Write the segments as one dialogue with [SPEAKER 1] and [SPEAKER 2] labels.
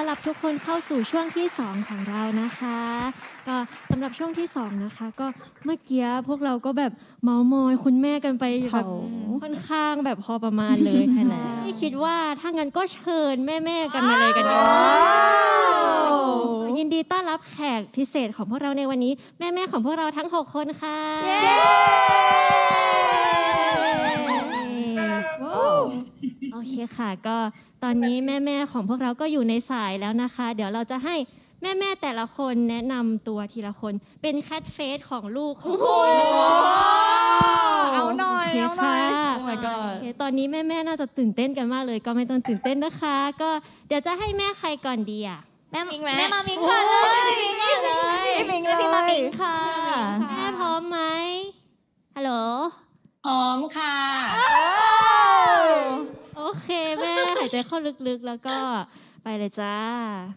[SPEAKER 1] รับทุกคนเข้าสู่ช่วงที่2ของเรานะคะก็สำหรับช่วงที่2นะคะก็เมื่อกี้พวกเราก็แบบเมามอยคุณแม่กันไปแบบค่อนข้างแบบพอประมาณเลยใช่แล้วที่คิดว่าถ้างั้นก็เชิญแม่ๆกันมาเลยกันดีกว่ายินดีต้อนรับแขกพิเศษของพวกเราในวันนี้แม่ๆของพวกเราทั้ง6คนค่ะโอเคค่ะก็ตอนนี้แม่ๆของพวกเราก็อยู่ในสายแล้วนะคะเดี๋ยวเราจะให้แม่ๆแต่ละคนแนะนำตัวทีละคนเป็นแคทเฟสของลูกของคน
[SPEAKER 2] เอาหน่อยเอาหน่อยโอ้ my
[SPEAKER 1] โอ
[SPEAKER 2] god
[SPEAKER 1] เคตอนนี้แม่ๆน่าจะตื่นเต้นกันมากเลยก็ไม่ต้องตื่นเต้นนะคะก็เดี๋ยวจะให้แม่ใครก่อนดีอ่ะ
[SPEAKER 3] แม่มามิงค่ะเลยมิงก่อนเลย
[SPEAKER 2] พี่มามิงค่ะ
[SPEAKER 1] แม่พร้อมไหมฮัลโหล
[SPEAKER 4] พร้อมค่ะ
[SPEAKER 1] โอเคแม่หายใจเข้าลึกๆแล้วก็ไปเลยจ้า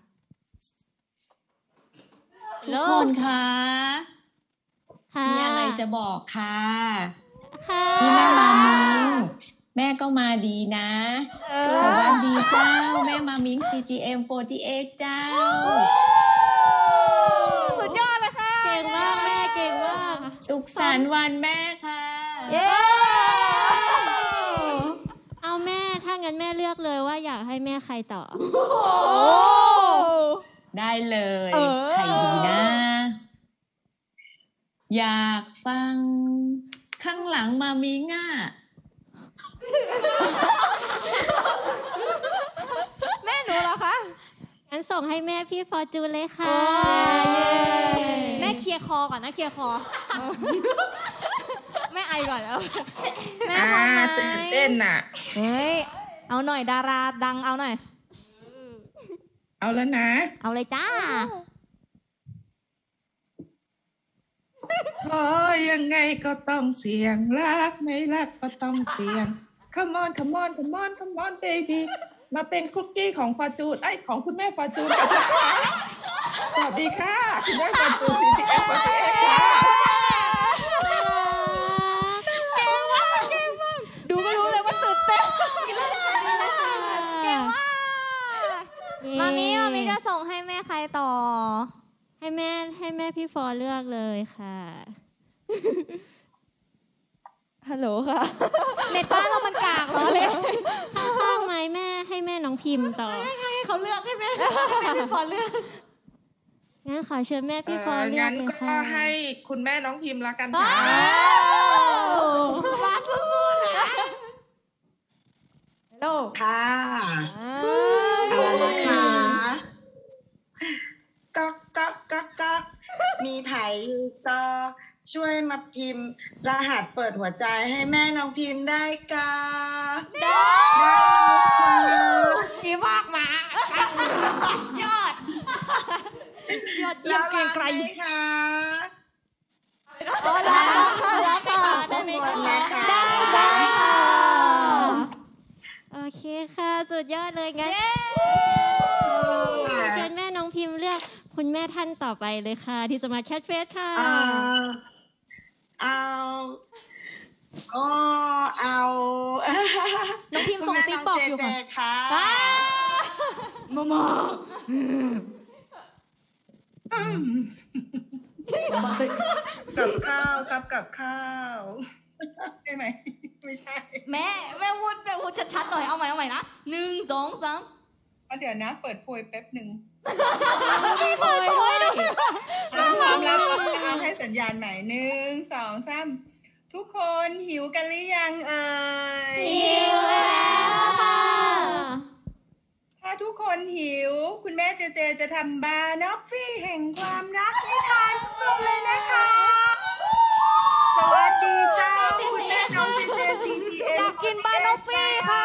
[SPEAKER 4] ทุกคนคะ
[SPEAKER 1] ค่ะ
[SPEAKER 4] มีอะไรจะบอกค่ะ
[SPEAKER 1] ค่ะ
[SPEAKER 4] นี่แม่มามิงแม่ก็มาดีนะสวัสดีเจ้าแม่มามิง CGM48 เจ้า
[SPEAKER 2] สุดยอดเลยค่ะ
[SPEAKER 1] เก่งมากแม่เก่งมาก
[SPEAKER 4] สุขสันต์วันแม่ค่ะ
[SPEAKER 2] เย้
[SPEAKER 1] เอาแม่ถ้างั้นแม่เลือกเลยว่าอยากให้แม่ใครต่อ
[SPEAKER 4] ได้เลยใครดีนะ อยากฟังข้างหลังมามิงอ่ะ
[SPEAKER 2] แม่หนูเหรอคะ
[SPEAKER 1] งั้นส่งให้แม่พี่ฟอร์จูนเลยค่ะ
[SPEAKER 3] แม่เคลียร์คอก่อนนะเคลียร์คอแม่ไอก่อนแล้วแม่พร้อมไหม
[SPEAKER 5] ตื่นเต้นน่ะ
[SPEAKER 3] เฮ้ยเอาหน่อยดาราดังเอาหน่อย
[SPEAKER 5] เอาแล้วนะ
[SPEAKER 3] เอาเลยจ้า
[SPEAKER 5] ขอยังไงก็ต้องเสี่ยงรักไม่รักก็ต้องเสี่ยง Come on Come on Come on Come on baby มาเป็นคุกกี้ของฟอร์จูนของคุณแม่ฟอร์จูนกันนะคะสวัสดีค่ะ คุณแม่ฟอร์จูน CGM48 ค่ะ
[SPEAKER 2] ดูก็รู้เลยว่าตื่นเต้น
[SPEAKER 3] เก่งมากมามิจะส่งให้แม่ใครต่อ
[SPEAKER 1] ให้แม่พี่ฟอร์เลือกเลยค่ะ
[SPEAKER 2] ฮัลโหลค่ะ
[SPEAKER 3] เน็ตบ้านเรามันกากเหรอเลย
[SPEAKER 1] ข้างๆไหมแม่ให้แม่น้องพิมพ์ต่อ
[SPEAKER 2] ให้เขาเลือกให้แม่พี่พอเลือก
[SPEAKER 1] งั้นขอเชิญแม่พี่ฟอร์เลือก
[SPEAKER 5] งั้น
[SPEAKER 1] เลย
[SPEAKER 5] ก็
[SPEAKER 1] ค่ะ
[SPEAKER 5] ให้คุณแม่น้องพิมพ์ละกันค่ะ
[SPEAKER 2] มาสู้ๆนะฮัลโหล
[SPEAKER 6] ค่ะเอาละนะคะก๊อกมีไผ่ก็ช่วยมาพิมพ์รหัสเปิดหัวใจให้แม่น้องพิมพ์ได้กาได้ค่ะ
[SPEAKER 2] ดีมากมายอด
[SPEAKER 3] ยอดเยี่ยมเกรียงไกร
[SPEAKER 6] แล้วรัไหมคะ
[SPEAKER 2] โอ้ได้ค่ะได้ค่ะได้ไหม
[SPEAKER 6] ทุกคน
[SPEAKER 2] คะ
[SPEAKER 6] นะคะ
[SPEAKER 3] ได้ค่ะ
[SPEAKER 1] โอเคค่ะสุดยอดเลยงั้นเชิญแม่น้องพิมพ์เลือกคุณแม่ท่านต่อไปเลยค่ะ ที่จะมาแคทเฟสค่ะ
[SPEAKER 6] เอา
[SPEAKER 3] น้องพิมพ์ส่งซิปบอกอยู่
[SPEAKER 6] คุณแม่น้งเจเจค่ะ
[SPEAKER 3] ว้า
[SPEAKER 5] กับข้าวครับกับข้าวใช่ไหมไม่ใช่
[SPEAKER 2] แม่พูดชัดๆหน่อยเอาใหม่นะ1 2 3
[SPEAKER 5] เดี๋ยวนะเปิดโพยแป๊บหนึ่ง
[SPEAKER 1] พี่ฟอร์ด้วย
[SPEAKER 5] พร้อมแล้วก็เอาให้สัญญาณใหม่1 2 3ทุกคนหิวกันหรือยังเอ่ย
[SPEAKER 1] หิวแล้วค่ะ
[SPEAKER 5] ถ้าทุกคนหิว คุณแม่เจเจจะทำบานอฟฟี่แห่งความรักให้ทานทุกคนเลยนะคะ สวัสดีเจ้าคุณแม่น้องเจเจ CGM
[SPEAKER 3] อยากกินบานอฟฟี่ค่ะ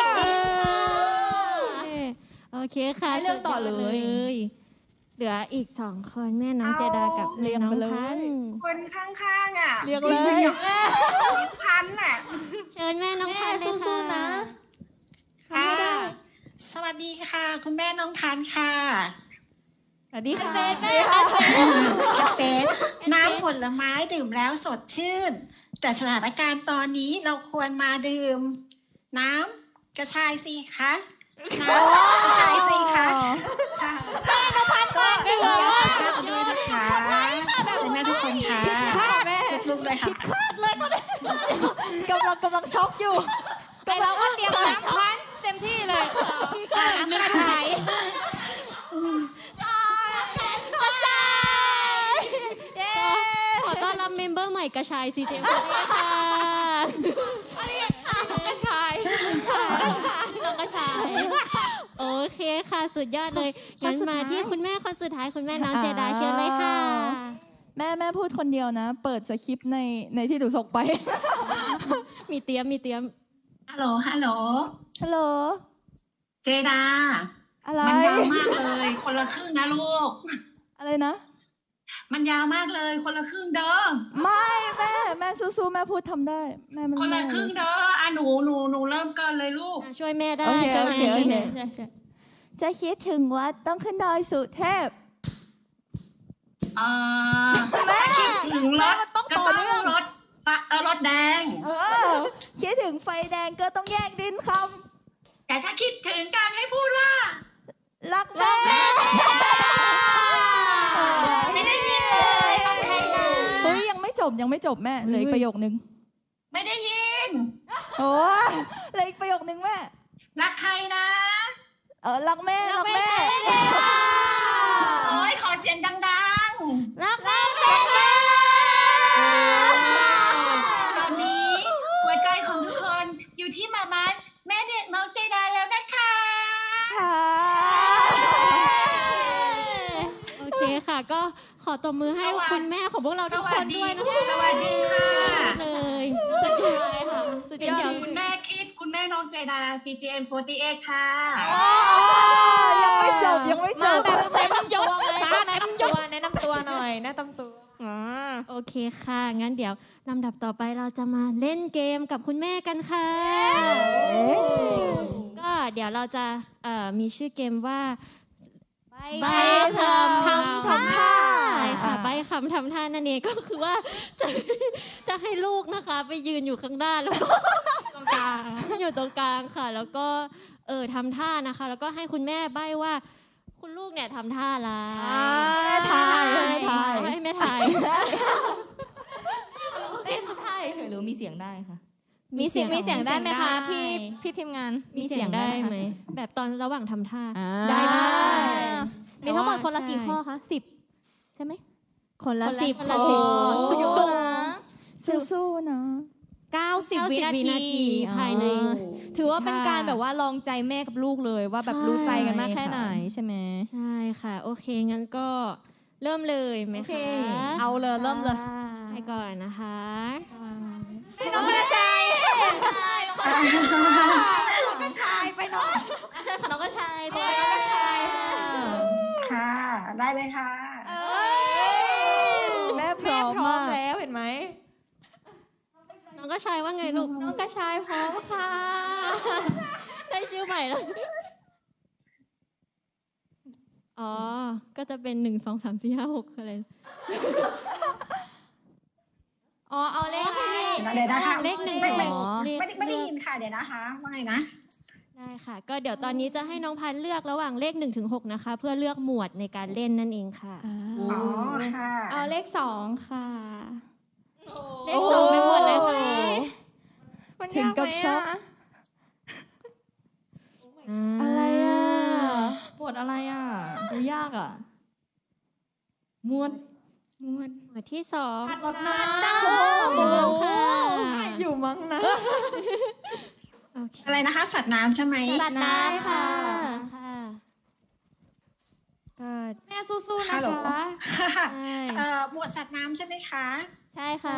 [SPEAKER 1] โอเคค่ะ
[SPEAKER 2] ให้เลือกต่อเลย
[SPEAKER 1] เหลืออีก2คนแม่น้องเจดากับแม่น้องพันธุ์
[SPEAKER 5] คนข้างๆอ่ะ
[SPEAKER 2] เรียกเลย
[SPEAKER 5] พันน่ะ
[SPEAKER 1] เชิญแม่น้องพันธุ์เลย
[SPEAKER 3] สู้
[SPEAKER 1] ค่ะ
[SPEAKER 3] ๆนะ
[SPEAKER 7] ค่ะสวัสดีค่ะ คุณแม่น้องพันธุ์ค่ะ
[SPEAKER 2] สวัสดีค่ะ
[SPEAKER 3] แม่
[SPEAKER 7] กาแฟน้ำผลไม้ดื่มแล้วสดชื่น แต่สถานการณ์ตอนนี้เราควรมาดื่ม น้ำกระชายสิคะน้ำกระชายสิคะค่ะ
[SPEAKER 8] กำลังช็อกอยู่
[SPEAKER 3] กำลังว่าเตรียมน้ำพันช์เต็มที่เลยพี่ก็นึกขาย
[SPEAKER 1] ขอต้อนรับเมมเบอร์ใหม่กระชายซีเจมค่ะ
[SPEAKER 3] กระชายน้องกระชาย
[SPEAKER 1] โอเคค่ะสุดยอดเลยงั้นมาที่คุณแม่คนสุดท้ายคุณแม่น้องเจดาเชิญเลยค่ะ
[SPEAKER 8] แม่พูดคนเดียวนะ เปิดสคริปต์ในที่ดูส่งไป
[SPEAKER 1] มีเตรียม
[SPEAKER 5] ฮัลโหล ฮัลโหล
[SPEAKER 8] ฮัลโหล
[SPEAKER 5] เจดา
[SPEAKER 8] อะไร
[SPEAKER 5] มันยาวมากเลย คนละครึ่งนะลูก
[SPEAKER 8] อะไรนะ
[SPEAKER 5] มันยาวมากเลย คนละครึ่งเด้อ
[SPEAKER 8] ไม่แม่สู้ๆแม่พูดทำได้แม่มัน
[SPEAKER 5] คนละ
[SPEAKER 8] แม่
[SPEAKER 5] ครึ่งเด้อหนูเริ่มก่อนเลยลูก
[SPEAKER 1] ช่วยแม่ได้
[SPEAKER 8] โอเค
[SPEAKER 1] ช่วย
[SPEAKER 8] โอ
[SPEAKER 1] แม่
[SPEAKER 8] เค
[SPEAKER 1] ช่วยแม่
[SPEAKER 8] จะคิดถึงวัดต้องขึ้นดอยสุเทพ
[SPEAKER 5] แม่ถึงรถ
[SPEAKER 8] มันต้อง
[SPEAKER 5] ก็
[SPEAKER 8] ต่อ
[SPEAKER 5] ต้อง
[SPEAKER 8] เนื่อง
[SPEAKER 5] รถแดง
[SPEAKER 8] คิดถึงไฟแดงก็ต้องแยกดินค
[SPEAKER 5] แต่ถ้าคิดถึงการให้พูดว่า
[SPEAKER 8] ำรักแม่
[SPEAKER 5] ไม่ได้ยินเลยต้องให้นะ
[SPEAKER 8] เฮ้ยยังไม่จบแม่เหลืออีกประโยคนึง
[SPEAKER 5] ไม่ได้ยิน
[SPEAKER 8] โอ้ยเหลืออีกประโยคนึงแม่
[SPEAKER 5] รักใครนะ
[SPEAKER 8] รักแม่
[SPEAKER 5] โอ้ยขอเสียงดัง
[SPEAKER 3] รักแม่
[SPEAKER 5] ๆ ตอนนี้หัวใจของทุกคนอยู่ที่มาม่าแม่เด็กน้องเจดาแล้วนะคะ
[SPEAKER 8] ค่ะ
[SPEAKER 1] โอเคค่ะ ก็ขอตบมือให้คุณแม่ของพวกเราทุกคนด้วยนะคะ
[SPEAKER 5] สวัสดีค่ะ
[SPEAKER 1] เลย
[SPEAKER 3] สุดยอดเลยค่ะสุดยอด
[SPEAKER 5] คุณแม่คิดคุณแม่น้องเจดา CGM48 ค่ะ
[SPEAKER 8] ยังไม่จบ
[SPEAKER 3] มาแบบเต็มยศเลย
[SPEAKER 2] แนะนำตัวหน่อยแนะนำตัว
[SPEAKER 1] โอเคค่ะ งั้นเดี๋ยวลำดับต่อไปเราจะมาเล่นเกมกับคุณแม่กันค่ะก็เดี๋ยวเราจะมีชื่อเกมว่า
[SPEAKER 3] ใบคำทำท่า
[SPEAKER 1] ใช่ค่ะใบคำทำท่านั่นเองก็คือว่าจะให้ลูกนะคะไปยืนอยู่ข้างหน้าแล้วก็ตรงกลางอยู่ตรงกลางค่ะ แล้วก็ทำท่านะคะ แล้วก็ให้คุณแม่ใบว่า คุณลูกเนี่ยทำท่าอะไร
[SPEAKER 8] แม่ทาย
[SPEAKER 1] ให้แม่ถ่าย
[SPEAKER 2] เต้นท่าเฉยๆหรือมีเสียงได้ค่ะ
[SPEAKER 3] มีเสียงได้ไหมคะพี่ทีมงาน
[SPEAKER 1] มีเสียงได้ไหมแบบตอนระหว่างทำท่า
[SPEAKER 8] ได้
[SPEAKER 3] มีทั้งหมดคนละกี่ข้อคะ10 ใช่ไหมคนละ10
[SPEAKER 1] คนละ
[SPEAKER 3] ข้อ
[SPEAKER 1] 10
[SPEAKER 3] จุก
[SPEAKER 8] สู้ๆนะ
[SPEAKER 3] 90 วินาที
[SPEAKER 1] ภายใน
[SPEAKER 3] ถือว่าเป็นการแบบว่าลองใจแม่กับลูกเลยว่าแบบรู้ใจกันมากแค่ไหนใช่ไหม
[SPEAKER 1] ใช่ค่ะ โอเค งั้นก็เริ่มเลยไหมคะ
[SPEAKER 3] เอาเลยเริ่มเลย
[SPEAKER 1] ไปก่อนนะคะ
[SPEAKER 3] น้องกระชาย
[SPEAKER 2] ไปน้องเชิญค่ะน้องกระชายตัวน้องกระชาย
[SPEAKER 6] ค่ะ ได้เลยค่ะ
[SPEAKER 8] แม่พร้อมมาก
[SPEAKER 2] แล้วเห็นไหม
[SPEAKER 1] น้องก็ชายว่าไงลูก
[SPEAKER 3] น้องกระชายพร้อมค่ะ
[SPEAKER 1] ได้ชื่อใหม่แล้ว อ๋อ ก็จะเป็น1 2 3 4 5 6อะไร
[SPEAKER 3] อ๋อเอาเลขอะไร
[SPEAKER 6] เดี๋ยวนะคะ
[SPEAKER 1] เลข1
[SPEAKER 6] ไม่
[SPEAKER 1] 2
[SPEAKER 6] ได้ยินค่ะ เดี๋ยวนะคะว่าไงนะ
[SPEAKER 1] ได้ค่ะ ก็เดี๋ยวตอนนี้จะให้น้องพันธุ์เลือกระหว่างเลข1 ถึง 6นะคะ เพื่อเลือกหมวดในการเล่นนั่นเองค่ะ
[SPEAKER 6] อ๋อ ค่ะ
[SPEAKER 3] เอาเลข2ค่ะ
[SPEAKER 1] เลข2ไปหมดเลยค่ะ
[SPEAKER 8] ถึงกับช็อก อะไรอ่ะ
[SPEAKER 2] บทอะไรอ่ะ ดูยากอ่ะม้วน
[SPEAKER 1] หมวดที่2
[SPEAKER 3] รถน้ำ
[SPEAKER 1] ค่ะ
[SPEAKER 8] อยู่มั้งนะ
[SPEAKER 1] โอเค
[SPEAKER 7] อะไรนะคะ สัตว์น้ำใช่ไหม
[SPEAKER 3] สัตว์น้ำค่ะ
[SPEAKER 1] ค่ะก็
[SPEAKER 2] แม่สู้ๆ
[SPEAKER 7] ฮั
[SPEAKER 2] นะ
[SPEAKER 7] ลโหล
[SPEAKER 2] คะ
[SPEAKER 1] ใช่
[SPEAKER 7] หมวดสัตว์น้ำใช่ไหมคะ
[SPEAKER 3] ใช่ค่ะ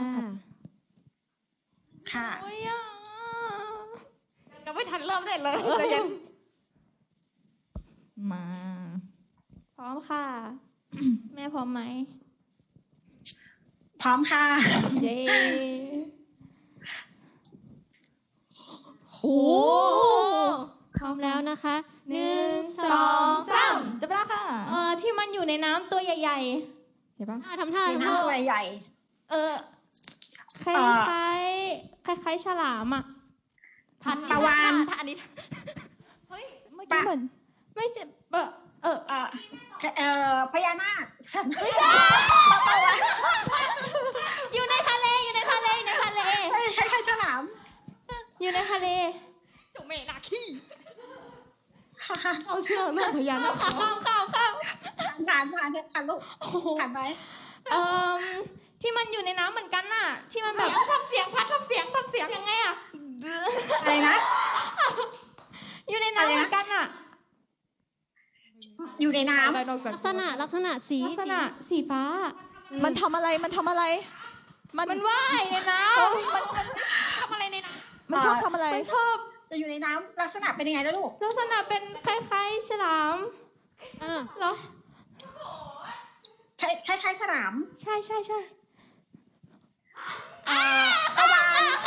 [SPEAKER 7] ค่ะ
[SPEAKER 3] โอ้ยอ่ะ
[SPEAKER 2] ยังไม่ทันเริ่มได้เลยใจเย็นมา
[SPEAKER 3] พร้อมค่ะ แม่พร้อมไหม
[SPEAKER 7] พร้อมค่ะ
[SPEAKER 3] เย้
[SPEAKER 1] โหพร้อมแล้วนะคะ 1
[SPEAKER 3] 2 3
[SPEAKER 2] จะไปแล้วค่ะ
[SPEAKER 3] ที่มันอยู่ในน้ำตัวใหญ่ๆเห็นปะ
[SPEAKER 1] ทำท่า
[SPEAKER 7] มีน้ำตัวใหญ่
[SPEAKER 3] คล้ายๆฉลามอ่ะ
[SPEAKER 7] ปลาวาฬ
[SPEAKER 2] อันนี้
[SPEAKER 8] เมื่อกี้เหมือน
[SPEAKER 3] ไม่ใช่
[SPEAKER 7] พญานาคสัตว์
[SPEAKER 3] อยู่ในทะเลอยู่ในทะเล
[SPEAKER 2] เจ้าแม่นาคี
[SPEAKER 3] เอาเชื่อเรื่องพญานาคข้าม
[SPEAKER 7] ผ่านเถอะค่ะลูกผ่านไป
[SPEAKER 3] ที่มันอยู่ในน้ำเหมือนกันน่ะ ที่มันแบบ
[SPEAKER 2] ทำเสียงพัดทำเสียง
[SPEAKER 3] ยังไงอะ
[SPEAKER 7] อะไรนะ
[SPEAKER 3] อยู่ในน้ำเหมือนกันน่ะ
[SPEAKER 7] อยู่ในน้ำ
[SPEAKER 1] ลักษณะสี
[SPEAKER 3] ลักษณะสีฟ้า
[SPEAKER 8] มันทำอะไร มันทำอะไร
[SPEAKER 3] มันว่ายในน้ำ
[SPEAKER 2] ทำอะไรในน้
[SPEAKER 8] มันชอบทำอะไร
[SPEAKER 3] มันชอบ
[SPEAKER 7] จะอยู่ในน้ำลักษณะเป็นยังไงนะลูก
[SPEAKER 3] ลักษณะเป็นคล้ายๆฉลาม
[SPEAKER 1] อ่า
[SPEAKER 3] เหรอ
[SPEAKER 7] คล้ายๆฉลาม
[SPEAKER 3] ใช่
[SPEAKER 7] ตะวัน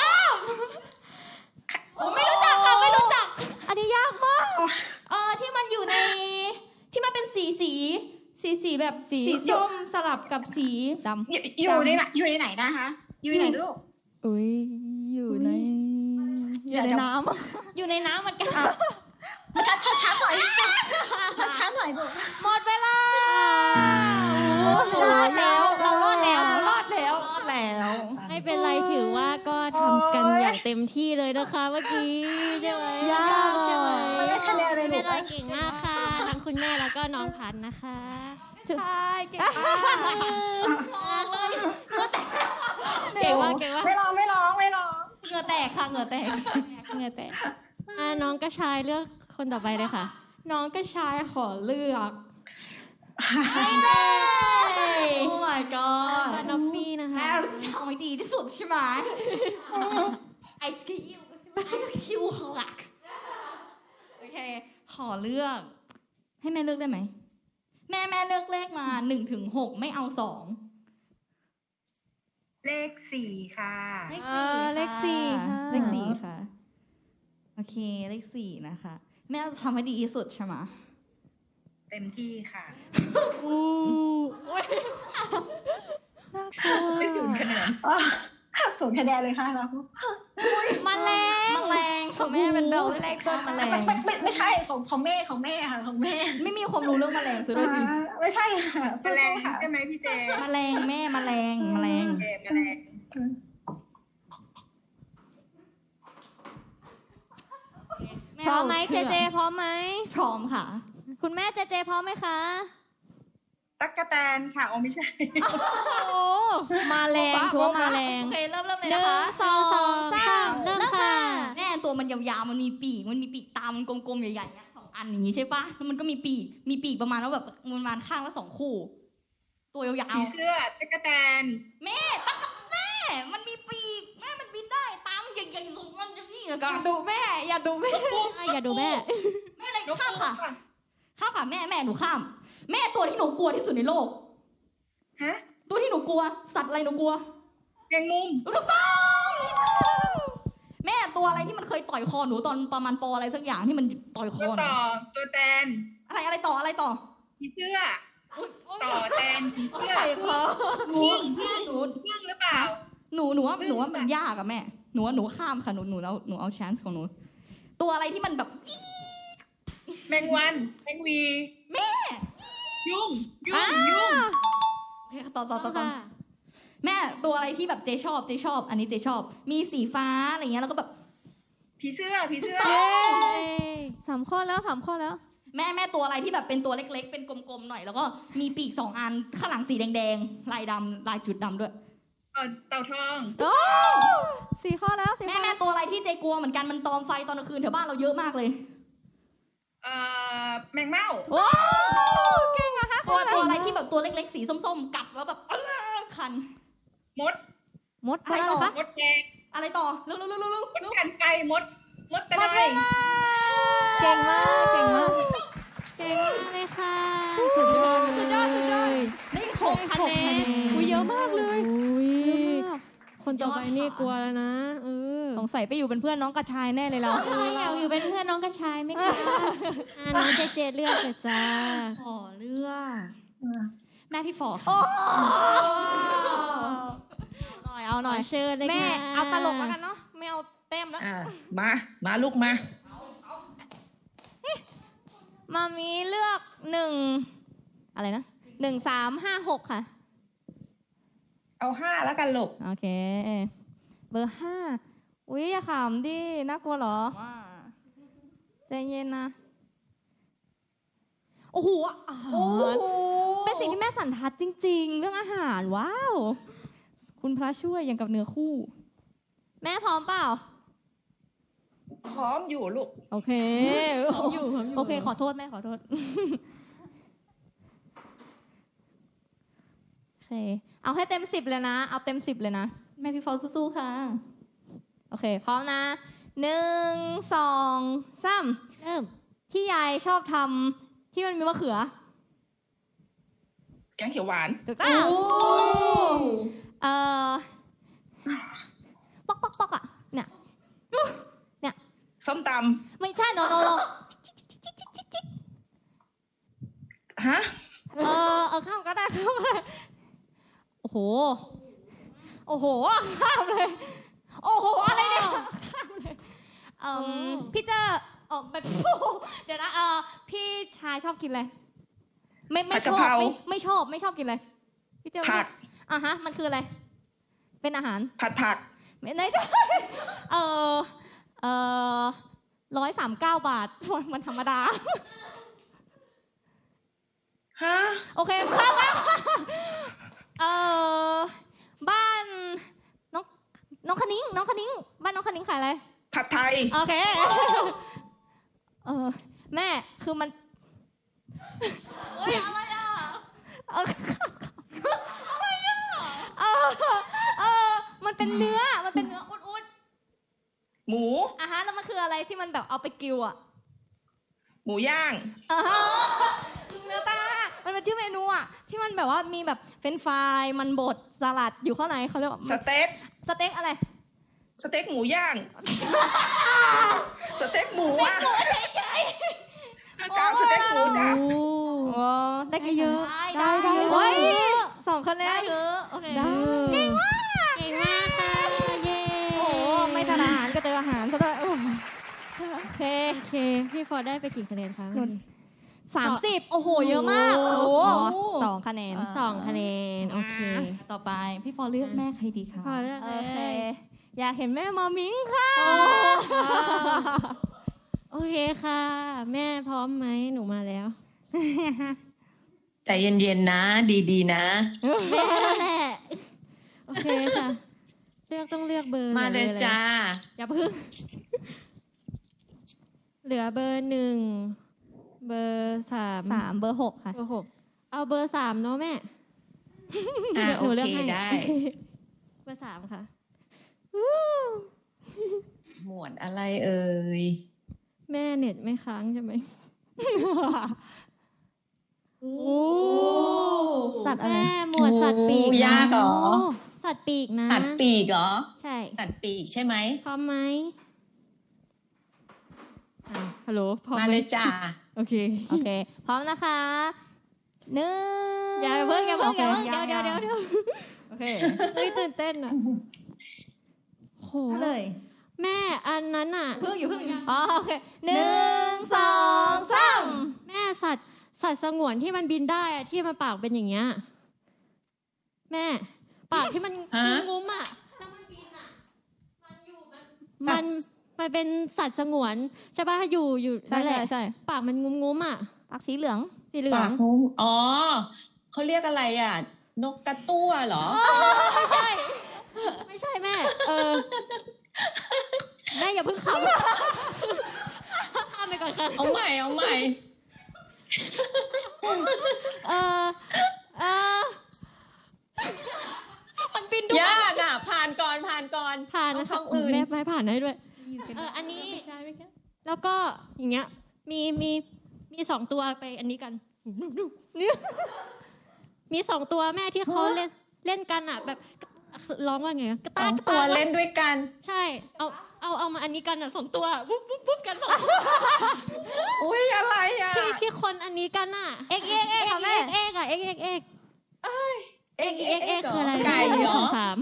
[SPEAKER 3] โอ้ไม่รู้จักค่ะไม่รู้จัก อันนี้ยากมากที่มันอยู่ในที่มันเป็นสีแบบสีส้มสลับกับสีดำ
[SPEAKER 7] อยู่ในไหนนะคะ อยู่ในไหนลูก
[SPEAKER 8] อุ้ยอยู่ในน้ำ
[SPEAKER 3] อยู่ในน้ำเหมือนกัน
[SPEAKER 7] ช้าหน่อยช้าหน่อยลูก
[SPEAKER 3] หมดเวลา
[SPEAKER 2] ำ
[SPEAKER 3] รอดแล้ว
[SPEAKER 1] ไม่เป็นไรถือว่าก็ทำกันอย่างเต็มที่เลยนะคะเมื่อกี้ใช่ไหม
[SPEAKER 8] ยาก
[SPEAKER 1] ใช่ไหม
[SPEAKER 7] ไม่ได้คะแนนเลย
[SPEAKER 1] ไม่
[SPEAKER 7] ลู
[SPEAKER 1] เป็
[SPEAKER 7] ก
[SPEAKER 1] นไรเก่งมากค่ะทั้งคุณแม่แล้วก็น้องพันธุ์นะคะ
[SPEAKER 8] ใช่เก่งมาก
[SPEAKER 1] เก่งมาก
[SPEAKER 7] ไม่ร้อง
[SPEAKER 2] เหงื่อแตกค่ะเหงื่อแตก
[SPEAKER 1] น้องกระชายเลือกคนต่อไปเลยค่ะ
[SPEAKER 3] น้องกระชายขอเลือก
[SPEAKER 2] โอ้ my god
[SPEAKER 1] นอฟฟี่นะคะ
[SPEAKER 2] แม่เราจะทำให้ดีที่สุดใช่ไหมไอศครีมคลักโอเคขอเลือก ให้แม่เลือกได้ไหมแม่เลือกเลขมา1 ถึง 6ไม่เอา2
[SPEAKER 5] เลข4ค่ะ
[SPEAKER 1] เลขสี่ค่ะ
[SPEAKER 2] เลขสี่ค่ะโอเคเลข4นะคะแม่จะทำให้ดีที่สุดใช่ไหม
[SPEAKER 5] เต็มที่ค่ะ
[SPEAKER 8] น่ากลัว
[SPEAKER 5] ไม่ถึงคะแนน
[SPEAKER 7] ศูนย์คะแนนเลยค่ะเรา
[SPEAKER 3] แมลง
[SPEAKER 2] ของแม่เป็นเบลเลขต้นแมลง
[SPEAKER 7] ไม่ใช่ของแม่ค่ะของแม่
[SPEAKER 2] ไม่มีความรู้เรื่องแมลงซะด้วยสิ
[SPEAKER 7] ไม่ใช่ค่ะ
[SPEAKER 5] แมลง
[SPEAKER 7] สู้ๆค่ะ
[SPEAKER 5] ใช่ไหมพี่เจ
[SPEAKER 2] แมลงแม่แมลง
[SPEAKER 5] แมลง
[SPEAKER 3] พร้อมไหมเจเจพร้อมไหม
[SPEAKER 2] พร้อมค่ะ
[SPEAKER 3] คุณแม่เจเจพร้อมไหมคะ
[SPEAKER 5] ตั๊กแตนค่ะอ๋อไม่ใช่
[SPEAKER 3] มาแรงชัวร์มาแรง
[SPEAKER 2] โอเคเริ่มเลย
[SPEAKER 3] หนึ่
[SPEAKER 2] นะ
[SPEAKER 3] ง
[SPEAKER 2] คะ
[SPEAKER 3] สองสามเริ่มค่ะ
[SPEAKER 2] แม่ตัวมันยาวๆมันมีปีกตามันกลมๆใหญ่ๆสองอันอย่างนี้ใช่ปะแล้วมันก็มีปีกประมาณว่าแบบประมาณข้างละ2 คู่ ตัวยาว
[SPEAKER 5] ผีเสื้อตั๊กแตน
[SPEAKER 2] ๆแม่ตั้งกับแม่มันมีปีกแม่มันบินได้ตามนใหญ่ๆสูงมันอย่างนี้แล้วกัน
[SPEAKER 3] ดูแม่ อย่าดูแม่
[SPEAKER 1] อย่าดูแม่
[SPEAKER 2] ไม่อะไรข้ามค่ะแม่หนูข้าม แม่ตัวที่หนูกลัวที่สุดในโลก
[SPEAKER 5] ฮะ
[SPEAKER 2] ตัวที่หนูกลัวสัตว์อะไรหนูกลัว
[SPEAKER 5] แมงมุม
[SPEAKER 2] ถูกต้องแม่ตัวอะไรที่มันเคยต่อยคอหนูตอนประมาณปอะไรสักอย่างที่มันต่อยค
[SPEAKER 5] ตั
[SPEAKER 2] อ
[SPEAKER 5] ว
[SPEAKER 2] หนู
[SPEAKER 5] ต่อตัวแตน
[SPEAKER 2] อะไรต่อ
[SPEAKER 5] ผีเสื้อต่อแตนผีเสื้อ
[SPEAKER 2] ต่อยคอหนู
[SPEAKER 5] พึ่งหรือเปล่า
[SPEAKER 2] หนูว่ามันยากอะแม่หนูข้ามค่ะหนูเอา chance ของหนูตัวอะไรที่มันแบบ
[SPEAKER 5] แมงวันแมงวี
[SPEAKER 2] แม่
[SPEAKER 5] ยุ่ง
[SPEAKER 2] โอเคต่อแม่ตัวอะไรที่แบบเจชอบอันนี้เจชอบมีสีฟ้าอะไรเงี้ยแล้วก็แบบ
[SPEAKER 5] ผีเสื้อ
[SPEAKER 3] 3 ข้อแล้ว3 ข้อแล้ว
[SPEAKER 2] แม่ตัวอะไรที่แบบเป็นตัวเล็กๆเป็นกลมๆหน่อยแล้วก็มีปีก2 อันข้างหลังสีแดงๆลายดำลายจุดดำด้วย
[SPEAKER 5] เต่าทอง
[SPEAKER 3] 4 ข้อแล้ว4
[SPEAKER 2] แม่ตัวอะไรที่เจกลัวเหมือนกันมันตอมไฟตอนกลางคืนแถวบ้านเราเยอะมากเลย
[SPEAKER 5] แมงเม่า
[SPEAKER 3] โอ้เก่งอะคะ
[SPEAKER 2] ตัวอะไรที่แบบตัวเล็กๆสีส้มๆกัดแล้วแบบคัน
[SPEAKER 5] มด
[SPEAKER 2] อะไรต่อ
[SPEAKER 5] มดแดง
[SPEAKER 2] อะไรต่อเร็ว
[SPEAKER 5] มดกันไก่มดตะไน
[SPEAKER 8] เก่งมาก
[SPEAKER 1] เก่งมากเลยค่ะสุดยอด
[SPEAKER 2] ได้6 คะแนน
[SPEAKER 3] อุ้ยเยอะมากเลย
[SPEAKER 1] คนต่อไปนี่กลัวแล้วนะ
[SPEAKER 3] สงสัยไปอยู่เป็นเพื่อนน้องกระชายแน่เลยเราอยากอยู่เป็นเพื่อนน้องกระชายไม่กล้า
[SPEAKER 1] น้องเจเลือกเลยจ้า
[SPEAKER 2] ขอเลือกแม่พี่ฟอค่ะ
[SPEAKER 3] เอาหน่อย
[SPEAKER 1] เชิญเลย
[SPEAKER 3] แม่
[SPEAKER 1] ค่ะ
[SPEAKER 3] เอาตลกแล้วกันเนาะไม่เอาเต็มแล้ว
[SPEAKER 5] มาลูกมา
[SPEAKER 3] มามีเลือก1อะไรนะ1 3 5 6ค่ะ
[SPEAKER 5] เอา5แล้วกันลูก
[SPEAKER 3] โอเค เบอร์ 5 อุ๊ยอย่าขำดิน่ากลัวเหรอ
[SPEAKER 2] ว่า
[SPEAKER 3] ใจเย็นนะ โอ้โหอาหารเป็นสิ่งที่แม่สันทัดจริง ๆ เรื่องอาหารว้าว คุณพระช่วยอย่างกับเนื้อคู่ แม่พร้อมเปล่า
[SPEAKER 5] พร้อมอยู่ลูก
[SPEAKER 3] โอเค
[SPEAKER 1] อยู่ครับอยู่
[SPEAKER 3] โอเค ขอโทษแม่ขอโทษ โอเค เอาให้เต็ม10เลยนะ เอาเต็ม10เลยนะ
[SPEAKER 2] แม่พี่ฟอลสู้ๆค่ะ
[SPEAKER 3] โอเค พร้อมนะ 1 2 3
[SPEAKER 1] เริ่ม
[SPEAKER 3] ที่ยายชอบทำที่มันมีมะเขือ
[SPEAKER 5] แกงเขียวหวาน
[SPEAKER 3] ถูกต้องเอ่อป๊อกป๊อกป๊อกอ่ะ เนี่ย
[SPEAKER 5] ส้มต
[SPEAKER 3] ไม่ใช่โน
[SPEAKER 5] ำฮะ
[SPEAKER 3] ข้ามก็ได้ข้ามก็ได้โอ้โห โอ้โห ข้ามเลย โอ้โห อะไรเนี่ย ข้ามเลยพี่เจอออกแบบเดี๋ยวนะ พี่ชายชอบกินอะไร ไม่
[SPEAKER 5] ผัด
[SPEAKER 3] ช
[SPEAKER 5] กะ
[SPEAKER 3] อบ
[SPEAKER 5] เพรา
[SPEAKER 3] ไม่ชอบกินอะไร พี่เจอ
[SPEAKER 5] ผัก
[SPEAKER 3] ฮะ มันคืออะไร เป็นอาหาร
[SPEAKER 5] ผัดผัก
[SPEAKER 3] ไม่ใช่139 บาท มันธรรมดา
[SPEAKER 5] ฮะ
[SPEAKER 3] โอเคข้ามแล้วบ้านน้องคณิ้งบ้านน้องคณิ้งขายอะไร
[SPEAKER 5] ผัดไทย
[SPEAKER 3] โอเค แม่คือมันอะไรอ่ะมันเป็นเนื้ออุด
[SPEAKER 5] หมู
[SPEAKER 3] ๆแล้วมันคืออะไรที่มันแบบเอาไปกิวอ่ะ
[SPEAKER 5] หมูย่าง
[SPEAKER 3] เนื้อปลามันเป็นชื่อเมนูอ่ะที่มันแบบว่ามีแบบเฟรนช์ฟรายมันบดสลัดอยู่ข้างในเขาเรียกว่า
[SPEAKER 5] สเต็ก
[SPEAKER 3] สเต็กอะไร
[SPEAKER 5] สเต็กหมูย่าง สเต็กหมูอ่ะจ้าสเต็กหมูจ้า
[SPEAKER 3] โอ้ได้กี่
[SPEAKER 1] เยอะ
[SPEAKER 3] ได้
[SPEAKER 1] ได้
[SPEAKER 3] โอ้ย2 คะแนน
[SPEAKER 2] เยอะโอเค
[SPEAKER 1] ได้
[SPEAKER 3] เก่งมาก
[SPEAKER 1] เก่งมากค่ะ เย้
[SPEAKER 3] โอ้โหไม่ทานอาหารก็เจออาหารซะด้วยโอ้โอเค
[SPEAKER 1] โอเค พี่ฟอร์ดได้ไปกี่คะแนนคะ
[SPEAKER 3] หนุน 30 โอ้โห เยอะมาก
[SPEAKER 1] โอ้
[SPEAKER 3] โอ้
[SPEAKER 1] โห
[SPEAKER 3] โห2 คะแนน
[SPEAKER 1] 2 คะแนน โอเค
[SPEAKER 2] ต่อไปพี่ฟอลเลือกแม่ใครดีคะ
[SPEAKER 1] พอเลือก
[SPEAKER 3] โอ
[SPEAKER 1] เล
[SPEAKER 3] เค
[SPEAKER 1] ย
[SPEAKER 3] อยากเห็นแม่มามิงค่ะ
[SPEAKER 1] โอเคค่ะ แม่พร้อมไหมหนูมาแล้ว
[SPEAKER 4] แต่เย็นๆนะ ดีๆนะ
[SPEAKER 1] แม่นั่นแหละ โอเคค่ะ ต้องเลือกเบอร์
[SPEAKER 4] มาเลย
[SPEAKER 1] ไหน
[SPEAKER 4] จ้า
[SPEAKER 1] อย่าเพิ่ง เหลือเบอร์ 1 เบอร์ 3
[SPEAKER 3] เบอร์ 6 ค่ะ
[SPEAKER 1] เบอร์ 6 เอาเบอร์ 3 เนาะแม่
[SPEAKER 4] โอ
[SPEAKER 1] หนูลืก
[SPEAKER 4] เค
[SPEAKER 1] ให้
[SPEAKER 4] ได้
[SPEAKER 1] เบอร์ 3 ค่ะ
[SPEAKER 4] หมวดอะไรเอ่ย
[SPEAKER 1] แม่เน็ตไม่ค้างใช่ไหม
[SPEAKER 3] สัตว์อะไร
[SPEAKER 1] แม่หมวดสัตว์ปีก
[SPEAKER 4] โอ้ยากเหรอ
[SPEAKER 1] สัตว์ปีกนะ
[SPEAKER 4] สัตว์ปีกเหรอ
[SPEAKER 1] ใช่
[SPEAKER 4] สัตว์ปีกใช่ไหม
[SPEAKER 1] พร้อมไหมฮัลโหลพร้อม
[SPEAKER 4] มา
[SPEAKER 1] ไหม
[SPEAKER 4] เลยจ้า
[SPEAKER 1] โอเค
[SPEAKER 3] โอเค พร้อมนะคะ1
[SPEAKER 1] อย่าเพิ่ง
[SPEAKER 3] โอเค
[SPEAKER 1] เดี๋ยว
[SPEAKER 3] โอเค
[SPEAKER 1] เฮ้ยตื่นเต้นอ่ะโห
[SPEAKER 2] เลย
[SPEAKER 1] แม่อันนั้นอ่ะ
[SPEAKER 2] เพิ่งอยู่
[SPEAKER 3] อ๋อโอเค1 2 3
[SPEAKER 1] แม่สัตว์สงวนที่มันบินได้อะที่มันปากเป็นอย่างเงี้ยแม่ปากที่มัน
[SPEAKER 4] ฮะ
[SPEAKER 1] งุ้มๆอ่ะแล้วมันบินอ่ะมันเป็นสัตว์สงวนใช่ป่ะอยู่
[SPEAKER 3] ใช่
[SPEAKER 1] นั่นแหละ
[SPEAKER 3] ใช่
[SPEAKER 1] ปากมันงุ้มๆอ่ะ
[SPEAKER 3] ปากสีเหลือง
[SPEAKER 1] สีเหลือ
[SPEAKER 4] ปาง กงูอ๋อ เขาเรียกอะไรอ่ะ นกกระตั้วเหรอ
[SPEAKER 1] ไม่ใช่แม่แม่อย่าเพิ่งขำข้ามไปก่อนค่ะ
[SPEAKER 4] เอาใหม่
[SPEAKER 1] มันบินด้วย
[SPEAKER 4] ยากอ่ะ ผ่านก่อน
[SPEAKER 1] ผ่านนะคะ
[SPEAKER 4] เอาคำอื่น
[SPEAKER 1] แม่ไม่ผ่านให้ด้วย อันนี้ แล้วก็อย่างเงี้ย มี2 ตัวไปอันนี้กันเนี่ยมี2 ตัวแม่ที่เขาเล่นกันอ่ะ แบบร้องว่าไงกระ
[SPEAKER 4] ส
[SPEAKER 1] ตา
[SPEAKER 4] อก ง
[SPEAKER 1] กระ
[SPEAKER 4] ตัว
[SPEAKER 1] ตาก
[SPEAKER 4] เล่นด้วยกัน
[SPEAKER 1] ใช่ เอามาอันนี้กันอ่ะ2 ตัวปุ๊บกัน2 ตัว
[SPEAKER 5] อุ้ยอะไรอ่ะ
[SPEAKER 1] ที่คนอันนี้กันอ่ะ
[SPEAKER 3] เอ็กค่ะแม่
[SPEAKER 1] เอกอ่ะเอก
[SPEAKER 4] เอ็ก
[SPEAKER 1] คืออะไร
[SPEAKER 4] ไก่เหรอ
[SPEAKER 1] 3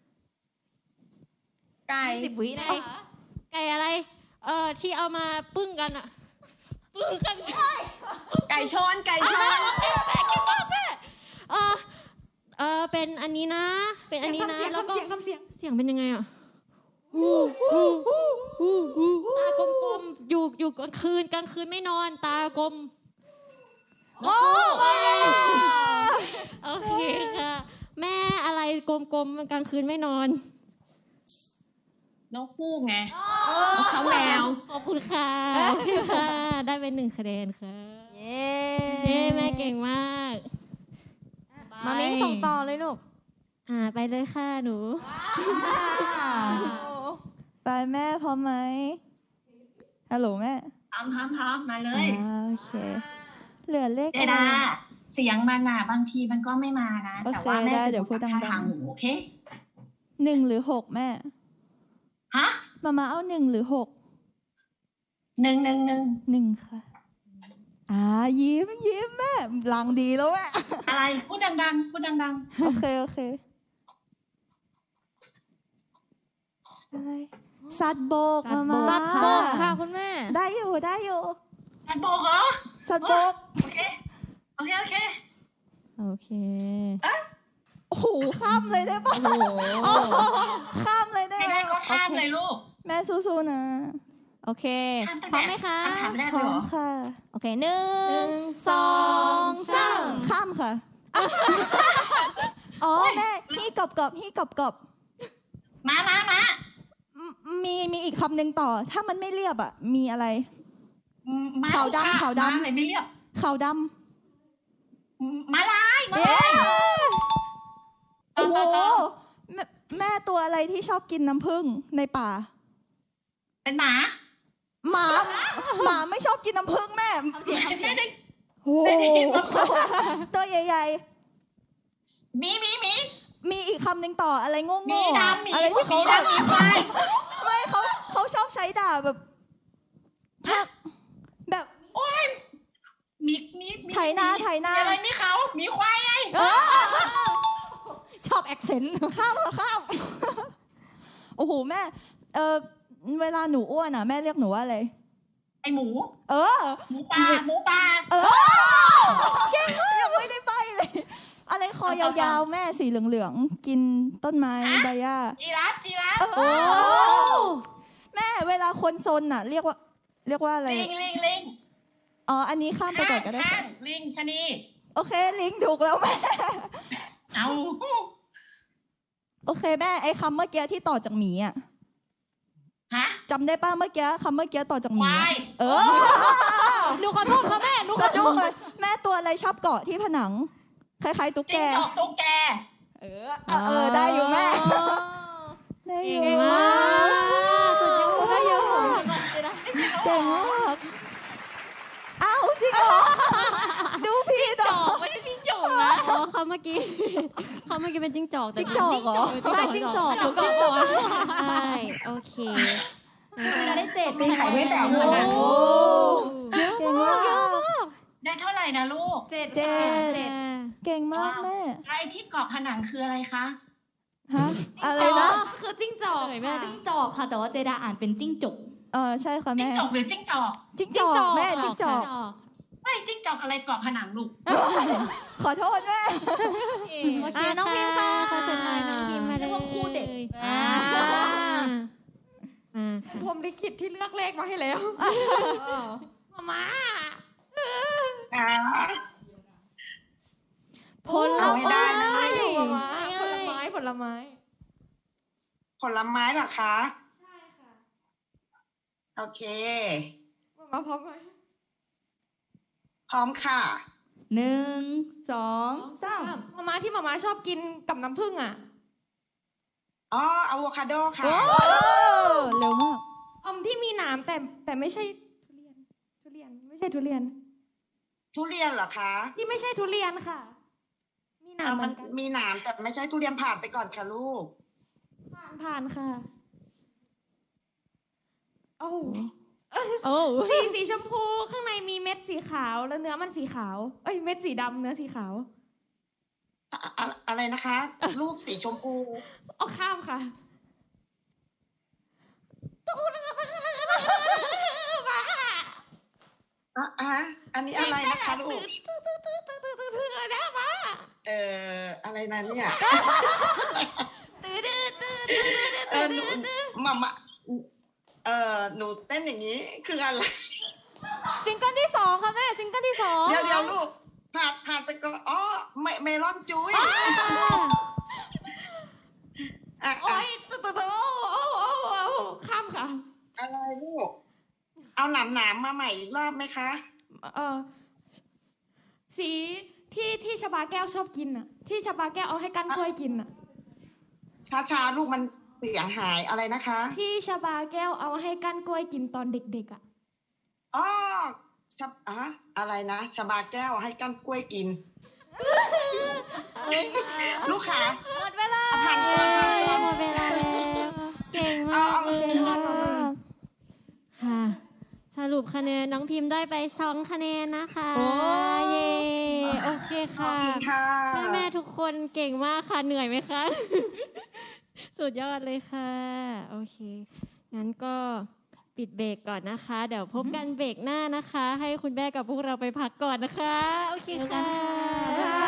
[SPEAKER 4] ไก่
[SPEAKER 2] 10 วินะ
[SPEAKER 1] ไก่อะไร ที่เอามาปึ้งกันอ่ะ ปึ้งกัน
[SPEAKER 4] ไก่ชน
[SPEAKER 1] แม่เก่งมากแม่เป็นอันนี้นะ เป็นอันนี้นะ แล้วก็
[SPEAKER 2] ทำเสียง
[SPEAKER 1] เสียงเป็นยังไงอ่ะตากลมๆอยู่กลางคืนไม่นอนตากลม
[SPEAKER 3] โอ้
[SPEAKER 1] โอเคค่ะ แม่อะไรกลมๆกลางคืนไม่นอน
[SPEAKER 4] นกฮูกไงนกเขาแมว
[SPEAKER 1] ขอบคุณค่ะค่ะ ได้เป็น1 คะแนนค่ะ
[SPEAKER 3] เย้
[SPEAKER 1] เย้แม่เก่งมาก
[SPEAKER 3] มามิ้งส่งต่อเลยลูก
[SPEAKER 1] ไปเลยค่ะหนู
[SPEAKER 8] ไปแม่พร้อมไหมฮัลโหลแม่
[SPEAKER 7] พร้อมมาเลย
[SPEAKER 8] โอเค เหลือเลข
[SPEAKER 7] เจ
[SPEAKER 8] อะไร
[SPEAKER 7] ดาเสียงมันอ่ะบางทีมันก็ไม่มานะ
[SPEAKER 8] โอเค
[SPEAKER 7] แต่ว่าแม่
[SPEAKER 8] ได้
[SPEAKER 7] จะ
[SPEAKER 8] เดี๋ยวพูดดังๆ
[SPEAKER 7] ท่าทางหนูโอเค
[SPEAKER 8] 1 หรือ 6 แม่
[SPEAKER 7] ฮะ
[SPEAKER 8] มาเอา1 หรือ 6 1 ค่ะ ยิ้มแม่หลังดีแล้วแม่
[SPEAKER 7] อะไรพูดดัง
[SPEAKER 8] โอเคอะไรสัตว์โบกมา
[SPEAKER 3] สัตว์โบกค่ะคุณแม่
[SPEAKER 8] ได้อยู่
[SPEAKER 7] สัตว์โบกเหรอ
[SPEAKER 8] สัตว์โบก
[SPEAKER 7] โอเค
[SPEAKER 3] โอเค
[SPEAKER 8] โอ้โหข้ามเลยได้ปะข้ามเลยได้
[SPEAKER 7] ไม่
[SPEAKER 8] ไหม
[SPEAKER 7] ได้ก็ข้ามเลยลูก
[SPEAKER 8] แม่สู้ๆนะ
[SPEAKER 3] โอเค
[SPEAKER 7] ข้ามตั้ง
[SPEAKER 3] พร้อม
[SPEAKER 7] แต่
[SPEAKER 3] ไหมคะ
[SPEAKER 7] คำถามแรก
[SPEAKER 8] พ
[SPEAKER 7] เลย
[SPEAKER 8] ร้อ
[SPEAKER 7] เหร
[SPEAKER 8] ม
[SPEAKER 7] อ
[SPEAKER 8] ค่ะ
[SPEAKER 3] โอเค1 2 3
[SPEAKER 8] ข้ามค่ะอ๋อแม่ฮี่กรอบ
[SPEAKER 7] มา
[SPEAKER 8] มีอีกคำหนึ่งต่อ ถ้ามันไม่เรียบอ่ะ มีอะไร
[SPEAKER 7] มา
[SPEAKER 8] ขาวดำ
[SPEAKER 7] ค่ะ
[SPEAKER 8] ขาวดำ
[SPEAKER 7] มาเลยไม่เรียบ
[SPEAKER 8] ขาวด
[SPEAKER 7] มาลาย
[SPEAKER 8] ำโอ้โหแม่ตัวอะไรที่ชอบกินน้ำผึ้งในป่า
[SPEAKER 7] เป็นหมา
[SPEAKER 8] หมาไม่ชอบกินน้ำผึ้งแม่
[SPEAKER 7] ไม่ได้
[SPEAKER 8] โอ้โหตัวใหญ่
[SPEAKER 7] มี
[SPEAKER 8] ๆ มีอีกคำหนึ่งต่ออะไรโง่
[SPEAKER 7] มี
[SPEAKER 8] ๆอะ
[SPEAKER 7] ดำมี
[SPEAKER 8] อะไรที่เขา
[SPEAKER 7] มีดำมีควาย
[SPEAKER 8] ไม่เขาชอบใช้ด่าแบบทักแบบ
[SPEAKER 7] โอ้ยมี
[SPEAKER 8] ไถนา
[SPEAKER 7] มีอะไรมีเขามีควายไง
[SPEAKER 3] ชอบแอคเซนต์
[SPEAKER 8] ข้ามโอ้โหแม่เวลาหนูอ้วนอ่ะแม่เรียกหนูว่าอะไร
[SPEAKER 7] ไอหมู
[SPEAKER 8] เออ
[SPEAKER 7] หมูปลา
[SPEAKER 8] ยังไม่ได้ไปเลย อะไรคอยาวๆแม่สีเหลืองๆกินต้นไม้ใบหญ้า
[SPEAKER 7] จีราฟ
[SPEAKER 8] โอ้แม่เวลาคนซนอ่ะ เรียกว่าอะไร
[SPEAKER 7] ลิง
[SPEAKER 8] อ๋ออันนี้ข้ามไปก่อนก็ได้
[SPEAKER 7] ข้า
[SPEAKER 8] ค่ะ
[SPEAKER 7] มลิงชะนี
[SPEAKER 8] โอเคลิงถูกแล้วแม่
[SPEAKER 7] เอา
[SPEAKER 8] โอเคแม่ไอ้คำเมื่อกี้ที่ต่อจากหมีอ่ะ
[SPEAKER 7] ฮะ
[SPEAKER 8] จำได้ป่ะเมื่อกี้คำเมื่อกี้ต่อจากหมี
[SPEAKER 7] ควาย
[SPEAKER 8] เออ
[SPEAKER 3] หนูขอโทษค่ะแม่หนูข
[SPEAKER 8] สะ
[SPEAKER 3] อโท
[SPEAKER 8] ดุ้ง
[SPEAKER 3] ษ
[SPEAKER 8] เลยแม่ตัวอะไรชอบเกาะที่ผนัง คล้ายๆตุ๊กแก
[SPEAKER 7] จิ้งจอกตุ๊กแก
[SPEAKER 8] ได้อยู่แม่ ได้อยู่
[SPEAKER 1] เก่งมาก
[SPEAKER 3] ได้เยอะ
[SPEAKER 8] เก่งมากอ้าวจริงเหรอ ดูพี่ต่อ
[SPEAKER 1] ไม่ใช่จิ้งจอกนะอ๋อเขาเมื่อกี้เป็นจิ้งจอกแต่
[SPEAKER 8] จิ้งจอกเหรอ
[SPEAKER 3] ใช่จิ้งจอกหนูก็
[SPEAKER 1] ใช่โอเค
[SPEAKER 3] จะได้7
[SPEAKER 6] มีไข่ไม่แตก
[SPEAKER 3] โอ้
[SPEAKER 6] เลยนะ
[SPEAKER 3] เยอะ
[SPEAKER 8] เก่ง
[SPEAKER 3] มาม
[SPEAKER 8] าก ก
[SPEAKER 7] ได้เท่าไหร่นะลูก
[SPEAKER 8] เจ็ดเก่งมากแม่
[SPEAKER 7] ไอที่เกาะผนังคืออะไรคะ
[SPEAKER 8] ฮะอะไรนะ
[SPEAKER 2] คือจิ้งจอกค่ะจิ้งจอกค่ะ แต่ว่าเจดาอ่านเป็นจิ้งจก
[SPEAKER 8] ใช่ค่ะ
[SPEAKER 7] จิ้ง
[SPEAKER 8] แม่
[SPEAKER 7] จอกหรือจิ้งจอก
[SPEAKER 8] จิ้งจอกแม่จิ้งจอก
[SPEAKER 7] ไม่จิ้งจอกอะไรเกาะผนังลูก
[SPEAKER 8] ขอโทษแม่
[SPEAKER 1] โอเค
[SPEAKER 3] น้องพิมพ์ค่ะ
[SPEAKER 1] ขอเชิญน้องพิมพ์มา
[SPEAKER 2] เรียกว่าคู่เด็ก
[SPEAKER 1] อ่าค่ะ
[SPEAKER 5] ผมลิขิตที่เลือกเลขมาให้แล้ว
[SPEAKER 1] มา
[SPEAKER 6] อ่า
[SPEAKER 3] ผล
[SPEAKER 6] เอาไม่ได้นะ
[SPEAKER 5] ผลไม้
[SPEAKER 6] ผลไม้เหรอคะ ใช่ค่ะ โอเค
[SPEAKER 5] มาพร้อมไหม
[SPEAKER 6] พร้อมค่ะ
[SPEAKER 2] 1 2 3
[SPEAKER 5] มาม่าที่มาม่าชอบกินกับน้ำผึ้งอ่ะ
[SPEAKER 6] อ๋ออะโวคาโดค่ะ
[SPEAKER 8] เร็วมาก
[SPEAKER 5] ที่มีหนามแต่ไม่ใช่ทุเรียนไม่ใช่ทุเรียน
[SPEAKER 6] ทุเรียนเหรอคะ
[SPEAKER 5] ที่ไม่ใช่ทุเรียนค่ะ มีหนามเหมื
[SPEAKER 6] มั
[SPEAKER 5] อน นกัน
[SPEAKER 6] มีหนามแต่ไม่ใช่ทุเรียนผ่านไปก่อนค่ะลูก
[SPEAKER 5] ผ่านค่ะ โอ้
[SPEAKER 1] โอ้
[SPEAKER 5] สีชมพูข้างในมีเม็ดสีขาวแล้วเนื้อมันสีขาวเม็ดสีดำเนื้อสีขาว
[SPEAKER 6] อะไรนะคะ ลูกสีชมพู
[SPEAKER 5] เอาข้ามค่ะ
[SPEAKER 6] อันนี้อะไรนะคะลูก อะไรนั้นเนี่ยหนูมาหนูเต้นอย่างนี้คืออะไร
[SPEAKER 3] ซิงเกิลที่ 2ค่ะแม่ซิงเกิลที่ 2
[SPEAKER 6] เดี๋ยวลูกผ่านไปก่อนอ๋อเมลอนจุ้ยอ่ะ
[SPEAKER 2] โอ๊ยข้ามค่ะ
[SPEAKER 6] อะไรลูก เอาหนามมาใหม่อีกรอบไหมคะ
[SPEAKER 2] สีที่ชบาแก้วชอบกินอ่ะ ที่ชบาแก้วเอาให้กั้นกล้วยกินอ่ะ
[SPEAKER 6] ช้าลูกมันเสียงหายอะไรนะคะ
[SPEAKER 2] ที่ชบาแก้วเอาให้กั้นกล้วยกินตอนเด็กๆอ่ะ
[SPEAKER 6] อ๋ออะไรนะชบาแก้วให้กั้นกล้วยกิน ลูกขา
[SPEAKER 3] หมดเวลา
[SPEAKER 6] ผ่านก่อน
[SPEAKER 1] หมดเวลาแล้วเก่งมาก
[SPEAKER 6] เอา
[SPEAKER 1] เก่งมากค่ะ สรุปคะแนนน้องพิมพ์ได้ไป2 คะแนนนะคะ
[SPEAKER 3] โอ้
[SPEAKER 1] เย้โอเค
[SPEAKER 6] ขอบ
[SPEAKER 1] ค่ะ
[SPEAKER 6] คุณค่ะ
[SPEAKER 1] แม่ทุกคนเก่งมากค่ะเหนื่อยไหมคะ สุดยอดเลยค่ะ โอเค งั้นก็ปิดเบรกก่อนนะคะ เดี๋ยวพบกันเบรกหน้านะคะ ให้คุณแม่กับพวกเราไปพักก่อนนะคะ โอเคค่ะ